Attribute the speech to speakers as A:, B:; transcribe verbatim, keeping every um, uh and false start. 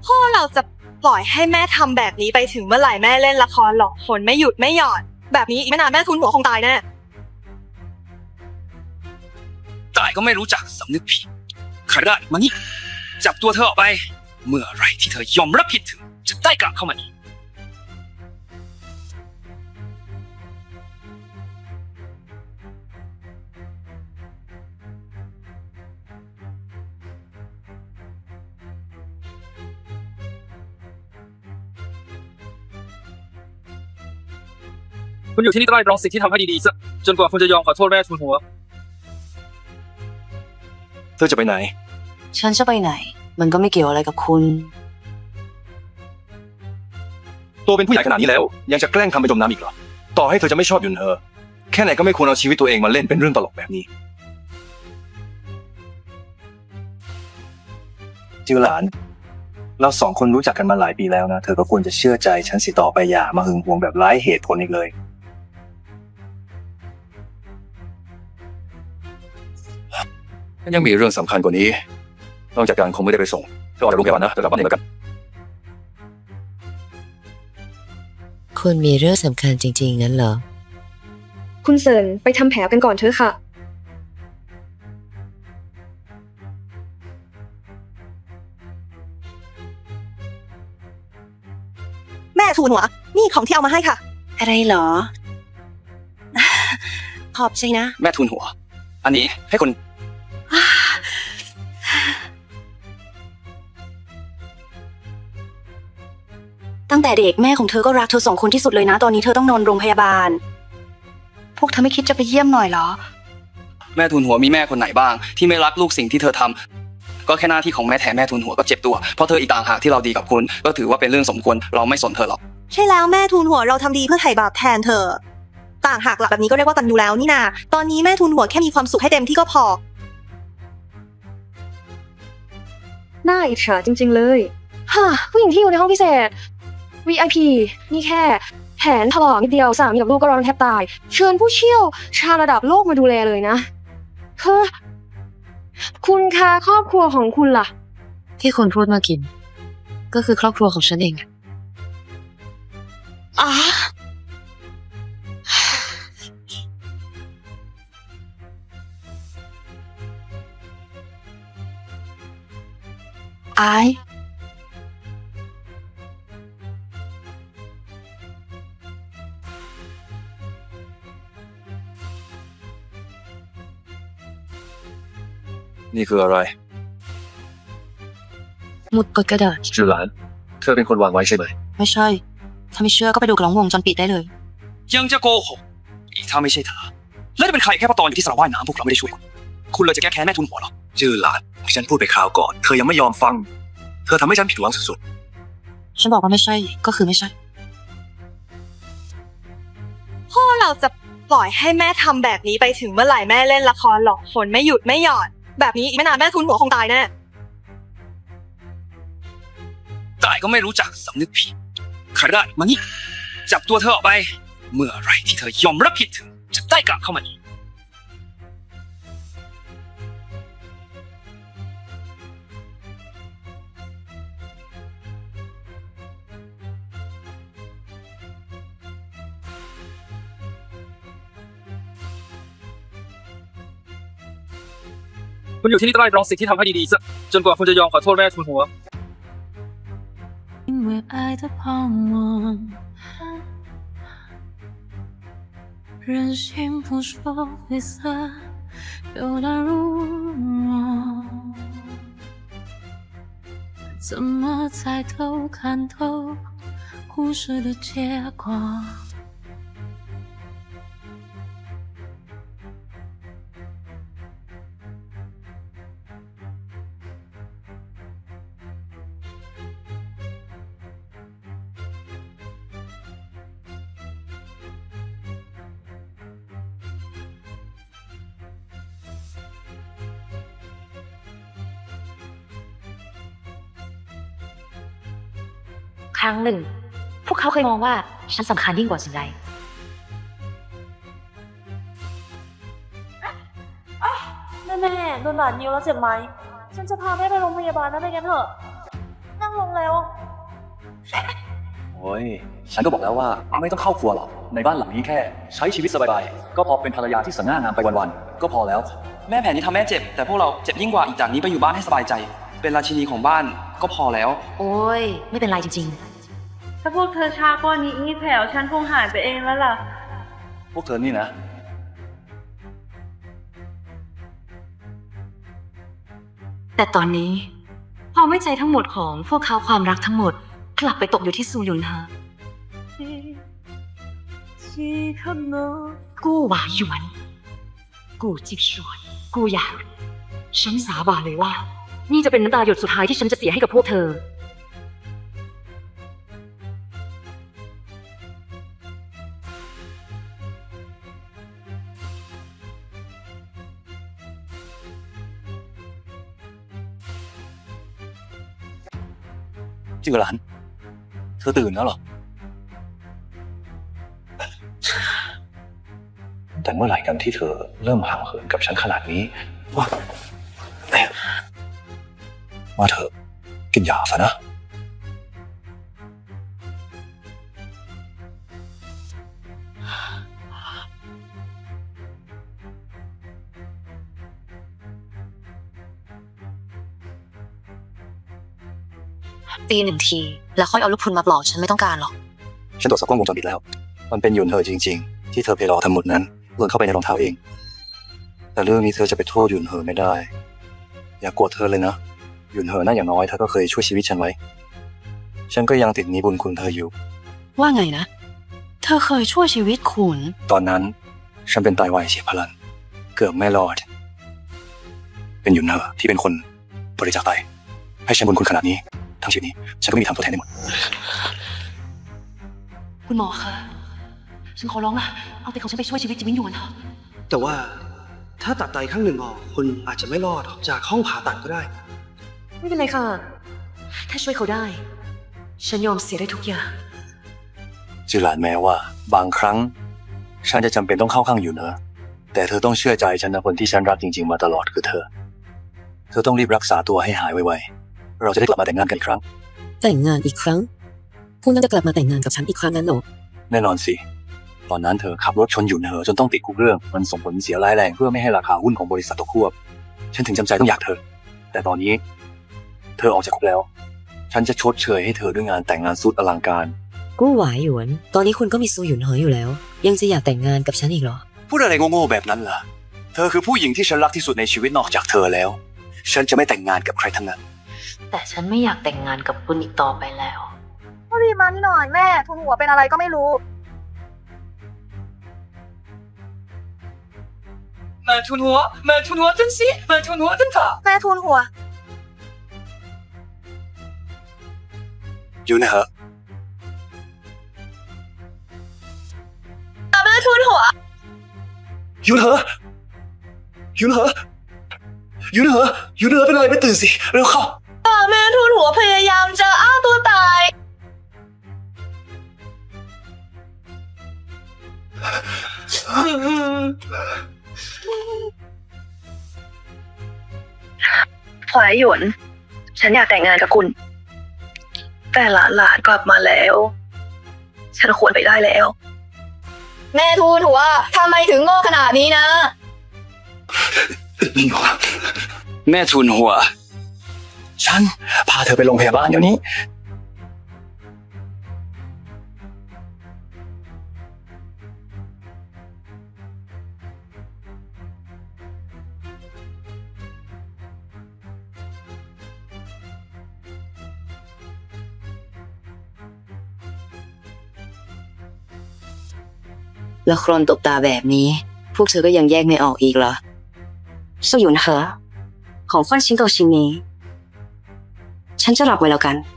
A: พ่อเราจะปล่อยให้แม่ทำแบบนี้ไปถึงเมื่อไหร่แม่เล่นละครหลอกคนไม่หยุดไม่หย่อนแบบนี้อีกไม่นานแม่ทุนหัวคงตายแน่
B: ตายก็ไม่รู้จักสำนึกผิดใครได้มานี่จับตัวเธอออกไปเมื่อไรที่เธอยอมรับผิดถึงจะได้กลับเข้ามาอีกคุณอยู่ที่นี่ใต้รองสิ่งที่ทำให้ดีๆซะจนกว่าคุณจะยอมขอโทษแม่ทุนหัวเธอจะไปไหน
C: ฉันจะไปไหนมันก็ไม่เกี่ยวอะไรกับคุณ
B: ตัวเป็นผู้ใหญ่ขนาดนี้แล้วยังจะแกล้งทำไปจมน้ำอีกเหรอต่อให้เธอจะไม่ชอบยุนเธอแค่ไหนก็ไม่ควรเอาชีวิตตัวเองมาเล่นเป็นเรื่องตลกแบบนี้จิวหลานเราสองคนรู้จักกันมาหลายปีแล้วนะเธอก็ควรจะเชื่อใจฉันสิต่อไปอย่ามาหึงหวงแบบไร้เหตุผลอีกเลยยังมีเรื่องสำคัญกว่านี้นอกจากการคงไม่ได้ไปส่งเธอออกจากโรงพยาบาลนะเธอกลับบ้านเองแล้วกัน
C: คุณมีเรื่องสำคัญจริงๆงั้นเหรอ
D: คุณเซินไปทำแผลกันก่อนเถอะค่ะ
A: แม่ทุนหัวนี่ของที่เอามาให้ค่ะ
C: อะไรเหรอขอบใจนะ
B: แม่ทุนหัวอันนี้ให้คน
C: ตั้งแต่เด็กแม่ของเธอก็รักเธอสองคนที่สุดเลยนะตอนนี้เธอต้องนอนโรงพยาบาลพวกเธอไม่คิดจะไปเยี่ยมหน่อยเหรอ
B: แม่ทุนหัวมีแม่คนไหนบ้างที่ไม่รักลูกสิ่งที่เธอทำก็แค่หน้าที่ของแม่แท้แม่ทุนหัวก็เจ็บตัวเพราะเธออีกต่างหากที่เราดีกับคุณก็ถือว่าเป็นเรื่องสมควรเราไม่สนเธอหรอก
A: ใช่แล้วแม่ทุนหัวเราทำดีเพื่อไถ่บาปแทนเธอต่างหากหลักแบบนี้ก็เรียกว่าตันยูแล้วนี่นาตอนนี้แม่ทุนหัวแค่มีความสุขให้เต็มที่ก็พอ
D: น่าอิจฉาจริงๆเลยฮ่าผู้หญิงที่อยู่ในห้องพิเศษ วี ไอ พี นี่แค่แผนถลอกนิดเดียวสามีกับลูกก็ร้อนแทบตายเชิญผู้เชี่ยวชาญระดับโลกมาดูแลเลยนะคือคุณคะครอบครัวของคุณล่ะ
C: ที่คุณพูดมากินก็คือครอบครัวของฉันเอง
A: อ๋อ
C: ไอ
B: นี่คืออะไร
C: หมุดกดกระดาษ
B: จิวหลานเธอเป็นคนวางไว้ใช่ไหม
C: ไม่ใช่ถ้าไม่เชื่อก็ไปดูกล้องวงจรปิดได้เลย
B: ยังจะโกหกอีกถ้าไม่ใช่เธอแล้วจะเป็นใครแค่พอตอนอยู่ที่สระว่ายน้ำพวกเราไม่ได้ช่วยคุณคุณเลยจะแก้แค้นแม่ทุนหัวหรอจิวหลานฉันพูดไปคราวก่อนเธอยังไม่ยอมฟังเธอทำให้ฉันผิดหวังสุด
C: ๆฉันบอกว่าไม่ใช่ก็คือไม่ใช่
A: พ่อเราจะปล่อยให้แม่ทำแบบนี้ไปถึงเมื่อไหร่แม่เล่นละครหลอกคนไม่หยุดไม่หย่อนแบบนี้อีกไม่นานแม่ทุนหัวคงตายแน่
B: ตายก็ไม่รู้จักสำนึกผิดใครได้มานี่จับตัวเธอออกไปเมื่อไรที่เธอยอมรับผิดถึงจะได้กลับเข้ามาอีกคุณอยู่ที่นี่ใต้รองสิ่งที่ทำให้ดีๆซะจนกว่าคุณจะยอมขอโทษแม่ทุนหัว
E: 因为爱的泡沫，任性不说灰色，有了如我，怎么猜透看透故事的结果？
F: ครั้งหนึ่งพวกเขาเคยมองว่าฉันสำคัญยิ่งกว่าสิ่งใด
D: แม่แม่โดนบาดนิ้วแล้วเจ็บไหมฉันจะพาแม่ไปโรงพยาบาลนะไม่งั้นเถอะ
A: นั่งลงแล้ว
B: โอ้ย ฉันก็บอกแล้วว่าไม่ต้องเข้าครัวหรอก ในบ้านหลังนี้แค่ ใช้ชีวิตสบายๆ ก็พอเป็นภรรยาที่สง่างามไปวันๆ ก็พอแล้ว
G: แม่แผนนี้ทำแม่เจ็บ แต่พวกเราเจ็บยิ่งกว่าอีกจากนี้ไปอยู่บ้านให้สบายใจ เป็นราชินีของบ้านก็พอแล้ว
F: โอ้ย ไม่เป็นไรจริง
H: ถ้าพวกเธอช้ากว่านี้อีแผวฉันคงหายไปเองแล้วล่ะ
B: พวกเธอนี่นะ
F: ๆ แต่ตอนนี้ความไว้ใจทั้งหมดของพวกเขาความรักทั้งหมด กลับไปตกอยู่ที่ซูยุนฮะกู้หวาหยวน กูจิกชวนกูอยากฉันสาบานเลยว่า นี่จะเป็นน้ำตาหยดสุดท้ายที่ฉันจะเสียให้กับพวกเธอ
B: จือหลาน เธอตื่นแล้วเหรอ แต่เมื่อไหร่กันที่เธอเริ่มห่างเหินกับฉันขนาดนี้ ว่าว่าเธอกินยาซะนะ
F: ตีหนึ่งที แล้วค่อยเอาลูกพรุนมาปลอกฉันไม่ต้องการหรอก
B: ฉันตรวจสอบกล้องวงจรปิดแล้ว มันเป็นหยุนเธอจริงๆ ที่เธอไปรอทำหมดนั้นหล่นเข้าไปในรองเท้าเอง แต่เรื่องนี้เธอจะไปโทษหยุนเธอไม่ได้ อย่าโกรธเธอเลยนะ หยุนเธอน่าอย่างน้อยเธอก็เคยช่วยชีวิตฉันไว้ ฉันก็ยังติดหนี้บุญคุณเธออยู่
C: ว่าไงนะ เธอเคยช่วยชีวิตคุณ
B: ตอนนั้นฉันเป็นไตวายเฉียบพลัน เกือบไม่รอด เป็นหยุนเธอที่เป็นคนบริจาคไตให้ฉันบุญคุณขนาดนี้ ทั้งชีวิตนี้ฉันก็ไม่มีทางทดแทนได้หมด
C: คุณหมอคะ ฉันขอร้องละเอาแต่ของฉันไปช่วยชีวิตจิมินหยวนเถอะ
I: แต่ว่าถ้าตัดไตข้างหนึ่งออกคุณอาจจะไม่รอดจากห้องผ่าตัดก็ได้
F: ไม่เป็นไรค่ะ ถ้าช่วยเขาได้ ฉันยอมเสียได้ทุกอย่าง
B: จือหลานแม้ว่า บางครั้ง ฉันจะจำเป็นต้องเข้าข้างอยู่เนอะแต่เธอต้องเชื่อใจฉันนะคนที่ฉันรักจริงๆมาตลอดคือเธอ เธอต้องรีบรักษาตัวให้หายไวๆเราจะได้กลับมาแต่งงานกันอีกครั้ง
J: แต่งงานอีกครั้ง คุณน่าจะกลับมาแต่งงานกับฉันอีกครั้งนั้นเหรอ
B: แน่นอนสิ ตอนนั้นเธอขับรถชนอยู่เนอะจนต้องติดคุกเรื่อง มันส่งผลเสียร้ายแรงเพื่อไม่ให้ราคาหุ้นของบริษัทตกควบ ฉันถึงจำใจต้องอยากเธอ แต่ตอนนี้ เธอออกจากคุกแล้ว ฉันจะชดเชยให้เธอด้วยงานแต่งงานสุดอลังการ
J: กู้หวายหยวน ตอนนี้คุณก็มีซูหยุนเหออยู่แล้ว ยังจะอยากแต่งงานกับฉันอีกเหรอ
B: พูดอะไรโง่ๆแบบนั้นล่ะ เธอคือผู้หญิงที่ฉันรักที่สุดในชีวิตนอกจากเธอแล้ว ฉันจะไม่แต่งงานกับใครทั้งนั้น
F: แต่ฉันไม่อยากแต่งงานกับคุณอีกต่อไปแล้ว
A: รีบมานี่หน่อยแม่ทุนหัวเป็นอะไรก็ไม่รู้
G: แม่ทุนหัว แม่ทุนหัว真是แม่ทุนหัว真卡
A: แม่ทุนหัว
B: อยู่นะเหอะ
A: แม่ทุนหัว
B: อยู่นะเหอะอยู่นะเหอะอยู่นะเหอะอยู่นะเหอะเป็นอะไรไม่ตื่นสิเร็วเข้า
A: แม่ทุนหัวพยายามจะอ้าตัวตายหวายหยวน ฉันอยากแต่งงานกับคุณ แต่หลานหลานกลับมาแล้ว ฉันควรไปได้แล้ว แม่ทูนหัวทำไมถึงโง่ขนาดนี้นะ
B: แม่ทุนหัว ฉันพาเธอไปโรงพยาบาลเดี๋ยวนี้
J: ละครตบตาแบบนี้ พวกเธอก็ยังแยกไม่ออกอีกเหรอ
C: ซูหยุนเหอ ของฟันชิ้นโตชิ้นนี้ ฉันจะรับไว้แล้วกัน